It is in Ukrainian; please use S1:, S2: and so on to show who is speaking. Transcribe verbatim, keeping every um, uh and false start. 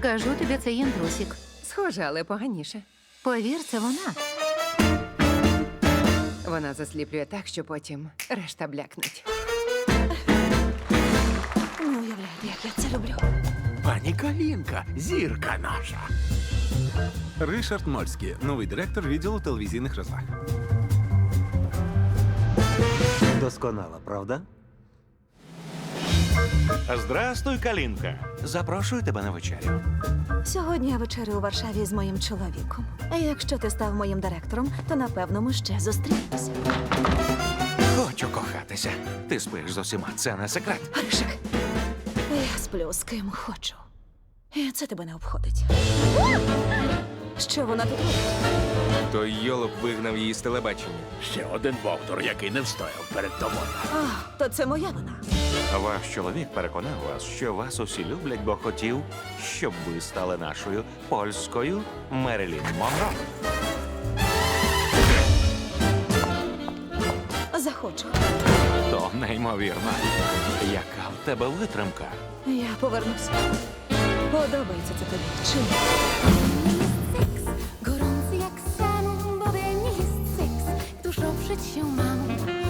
S1: Кажу тобі, це інтрусік.
S2: Схоже, але поганіше.
S1: Повір, це вона.
S2: Вона засліплює так, що потім решта блякнуть.
S3: Не уявляєте, як я це люблю.
S4: Пані Калінка, зірка наша.
S5: Ришард Мольський, новий директор відділу телевізійних розваг.
S6: Досконала, правда?
S4: Здрастуй, Калінка. Запрошую тебе на вечерю.
S3: Сьогодні я вечерю у Варшаві з моїм чоловіком. А якщо ти став моїм директором, то напевно ми ще зустрінемося.
S4: Хочу кохатися. Ти спиш з усіма, це не секрет.
S3: Аришик, я сплю з ким хочу. І це тебе не обходить. Що вона тут робить?
S7: Той йолоп вигнав її з телебачення.
S4: Ще один бовдур, який не встояв перед тобою.
S3: А, то це моя вина.
S4: Ваш чоловік переконав вас, що вас усі люблять, бо хотів, щоб ви стали нашою польською Мерилін Монро.
S3: Захочу.
S4: То неймовірно. Яка в тебе витримка?
S3: Я повернусь. Подобається це тобі. Чи ні?
S8: Gorący jak sen, bo we mnie jest seks, któż oprzeć się mam.